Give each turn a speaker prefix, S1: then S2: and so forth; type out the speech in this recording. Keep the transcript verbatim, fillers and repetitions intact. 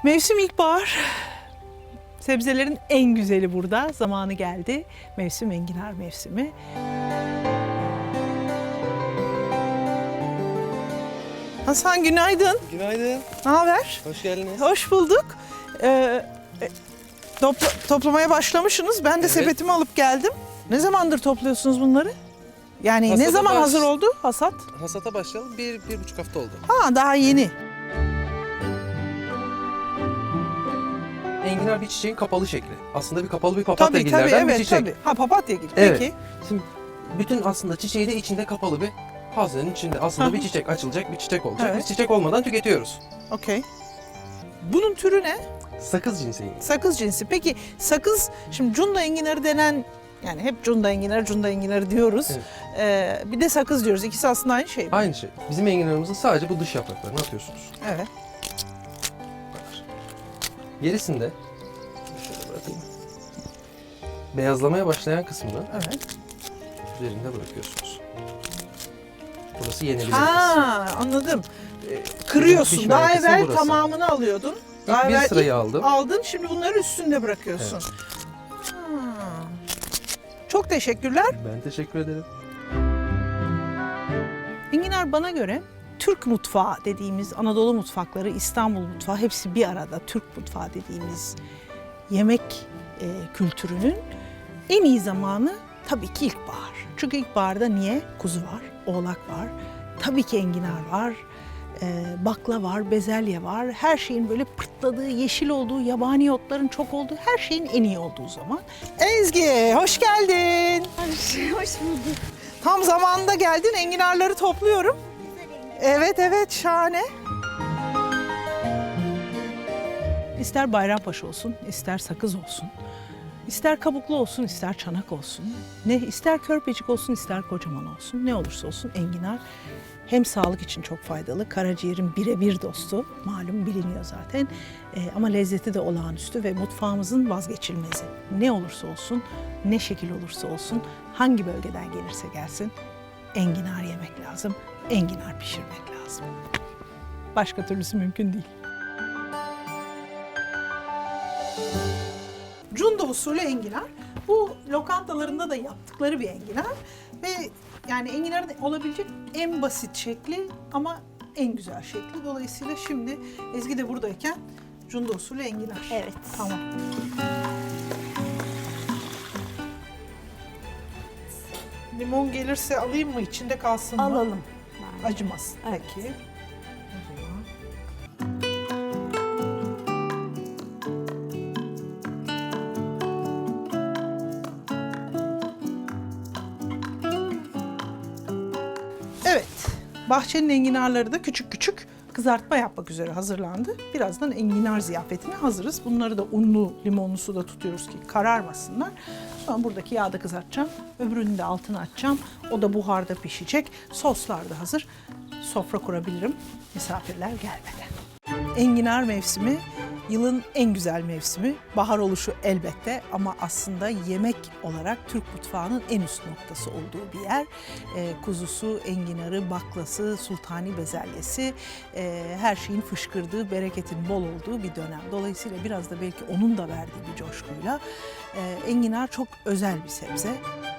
S1: Mevsim ilkbahar. Sebzelerin en güzeli burada. Zamanı geldi. Mevsim enginar mevsimi. Hasan günaydın.
S2: Günaydın.
S1: Ne haber?
S2: Hoş geldiniz.
S1: Hoş bulduk. Ee, e, topla, toplamaya başlamışsınız. Ben de
S2: Evet.
S1: sepetimi alıp geldim. Ne zamandır topluyorsunuz bunları? Yani ne
S2: Hasata
S1: zaman
S2: baş-
S1: hazır oldu hasat?
S2: Hasata başlayalım. Bir, bir buçuk hafta oldu.
S1: Ha daha yeni.
S2: Enginar bir çiçeğin kapalı şekli. Aslında bir kapalı bir papatya
S1: Tabii tabii
S2: gillerden bir
S1: evet
S2: çiçek.
S1: tabii. Ha papatya gül.
S2: Evet.
S1: Peki.
S2: Şimdi bütün aslında çiçeği de içinde kapalı bir hazinenin içinde. Aslında
S1: Hı
S2: bir
S1: hı.
S2: çiçek açılacak, bir çiçek olacak.
S1: Evet.
S2: Biz çiçek olmadan tüketiyoruz.
S1: Okey. Bunun türü ne?
S2: Sakız cinsi enginar.
S1: Sakız cinsi. Peki sakız, şimdi cunda enginarı denen, yani hep cunda enginarı, cunda enginarı diyoruz.
S2: Evet.
S1: Ee, bir de sakız diyoruz. İkisi aslında aynı şey mi?
S2: Aynı şey. Bizim enginarımızın sadece bu dış yapraklarını atıyorsunuz.
S1: Evet.
S2: Bu kadar. Gerisinde şöyle bırakayım. Beyazlamaya başlayan kısmını
S1: Evet.
S2: üzerinde bırakıyorsunuz. Burası yenebilir kısmı.
S1: Ha anladım. Ee, Kırıyorsun.
S2: pişmeyen
S1: Daha
S2: kısmı
S1: evvel
S2: burası.
S1: tamamını alıyordun. Daha
S2: İlk bir
S1: evvel
S2: sırayı
S1: ilk
S2: aldım.
S1: aldın. Şimdi bunları üstünde bırakıyorsun. Ha. Çok teşekkürler.
S2: Ben teşekkür ederim.
S1: Enginar bana göre Türk mutfağı dediğimiz, Anadolu mutfakları, İstanbul mutfağı hepsi bir arada Türk mutfağı dediğimiz yemek e, kültürünün en iyi zamanı tabii ki ilkbahar. Çünkü ilkbaharda niye? Kuzu var, oğlak var, tabii ki enginar var, e, bakla var, bezelye var. Her şeyin böyle pırtladığı, yeşil olduğu, yabani otların çok olduğu, her şeyin en iyi olduğu zaman. Ezgi, hoş geldin.
S3: Hoş bulduk.
S1: Tam zamanında geldin. Enginarları topluyorum. Evet evet şahane. İster Bayrampaşa olsun, ister sakız olsun. İster kabuklu olsun, ister çanak olsun. Ne ister körpecik olsun, ister kocaman olsun. Ne olursa olsun enginar hem sağlık için çok faydalı. Karaciğerin birebir dostu. Malum biliniyor zaten. Ee, ama lezzeti de olağanüstü ve mutfağımızın vazgeçilmezi. Ne olursa olsun, ne şekil olursa olsun, hangi bölgeden gelirse gelsin enginar yemek lazım. Enginar pişirmek lazım. Başka türlüsü mümkün değil. Cunda usulü enginar. Bu lokantalarında da yaptıkları bir enginar. Ve yani enginarın olabilecek en basit şekli ama en güzel şekli. Dolayısıyla şimdi Ezgi de buradayken cunda usulü enginar.
S3: Evet.
S1: Tamam. Limon gelirse alayım mı? İçinde kalsın mı?
S3: Alalım.
S1: Acımaz.
S3: Evet.
S1: Peki. O zaman. Evet. Bahçenin enginarları da küçük küçük kızartma yapmak üzere hazırlandı. Birazdan enginar ziyafetine hazırız. Bunları da unlu, limonlu suda tutuyoruz ki kararmasınlar. Sonra buradaki yağda kızartacağım. Öbürünü de altına açacağım. O da buharda pişecek. Soslar da hazır. Sofra kurabilirim misafirler gelmeden. Enginar mevsimi yılın en güzel mevsimi. Bahar oluşu elbette ama aslında yemek olarak Türk mutfağının en üst noktası olduğu bir yer. Ee, kuzusu, enginarı, baklası, sultani bezelyesi, e, her şeyin fışkırdığı, bereketin bol olduğu bir dönem. Dolayısıyla biraz da belki onun da verdiği bir coşkuyla e, enginar çok özel bir sebze.